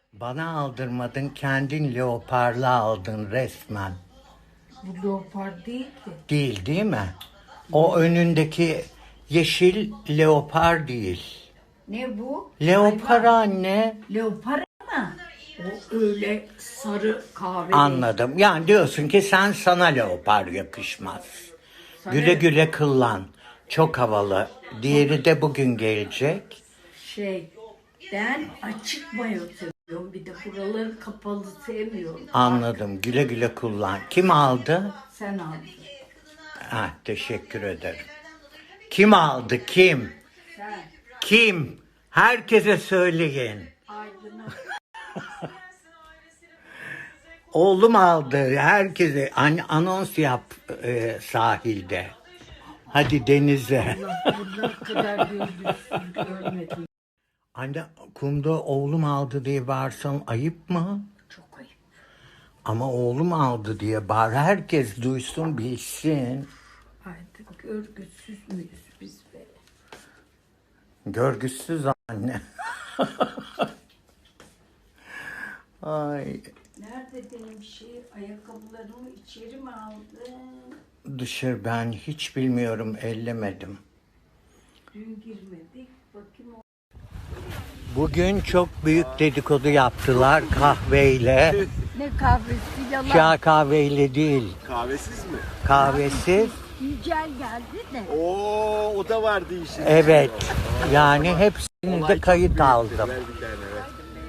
Bana aldırmadın, kendin leoparla aldın resmen. Bu leopar değil ki. Değil mi? O önündeki yeşil leopar değil. Ne bu? Leopar Hayvan. anne. Leopar ama o öyle sarı kahve. Anladım. Yani diyorsun ki sana leopar yakışmaz. Sana Güle güle kullan. Çok havalı. Diğeri de bugün gelecek. Ben açık mayo seviyorum. Bir de buraları kapalı sevmiyorum. Anladım. Güle güle kullan. Kim aldı? Sen aldın. Ha, teşekkür ederim. Kim aldı? Kim? Sen. Kim? Herkese söyleyin. Aydın'a. Oğlum aldı. Herkese anons yap sahilde. Hadi denize. Bunlar kadar gözlüksüz görmedim. Anne kumda oğlum aldı diye bağırsam ayıp mı? Çok ayıp. Ama oğlum aldı diye bağır. Herkes duysun bilsin. Artık görgüsüz müyüz biz be? Görgüsüz anne. Ay. Nerede benim ayakkabılarımı içeri mi aldın? Dışarı ben hiç bilmiyorum, ellemedim. Dün girmedik. Bakayım o. Bugün çok büyük dedikodu yaptılar kahveyle. Ne kahvesi yalan. Çay kahveyle değil, Kahvesiz mi? kahvesiz. Yücel geldi de. Oo, o da vardı işin. Evet, yani hepsini de kayıt aldım. Ver bir tane ver.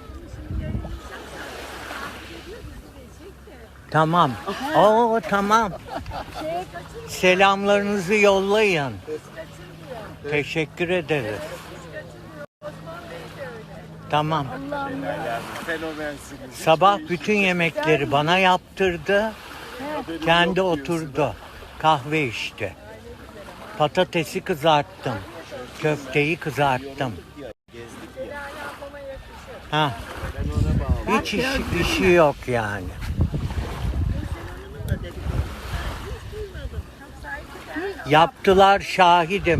Tamam. Oo tamam. Selamlarınızı yollayın. Teşekkür ederiz. Tamam. Fenomensin. Sabah bütün yemekleri bana yaptırdı. Kendi oturdu. Kahve içti. Patatesi kızarttım. Köfteyi kızarttım. Ha. Hiç işi yok yani. Yaptılar, şahidim.